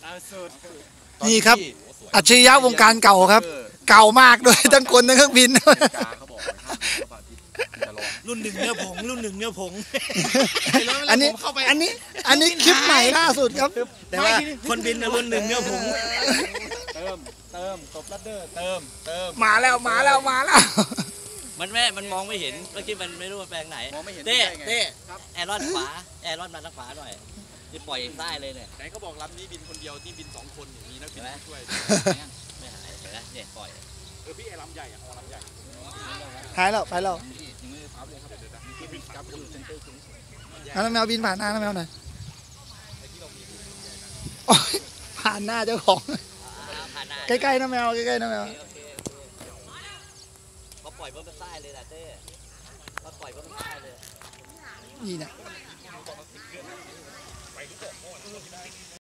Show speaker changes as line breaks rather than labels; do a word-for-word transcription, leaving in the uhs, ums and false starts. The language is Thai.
นี่ครับอัจฉริยะวงการเก่าครับเก่ามากด้วยทั้งคนทั้งเครื่องบิน
รุ่นหนึ่งเนื้อผงรุ่นหนึ่งเนื้อผง
อันนี้อันนี้อันนี้คลิปใหม่ล่าสุดครับ
แต่ว่าคนบินรุ่นหนึ่งเนื้อผง
เติมเติมตบลัดเดอร์เติมเติม
มาแล้วมาแล้วมาแล้ว
มันแม่มันมองไม่เห็นเมื่อกี้มันไม่รู้ว่าแปลงไหนเต้เต้แอรอนขวาแอรอนมาทางขวาหน่อยจะปล่อยใต้เลยเนี่ย
ไหนเขาบอกลำนี้บินคนเดียวนี่บินสองคนมีนักบินช่วย
ไม่หายเห็นไหมเนี่ยปล่อย
เออพี่ไอ้ลำใหญ่อะลำใหญ่
หายแล้วไปแล้วน้ำแมวบินผ่านหน้าน้ำแมวหน่อยผ่านหน้าเจ้าของใกล้ๆน้ำแมวใกล้ๆน้ำแมว
เขาปล่อยเพิ่มเป็นใต้เลยแหละเต้เขาปล่อยเพิ่มเป็นใต้เลย
นี่นะ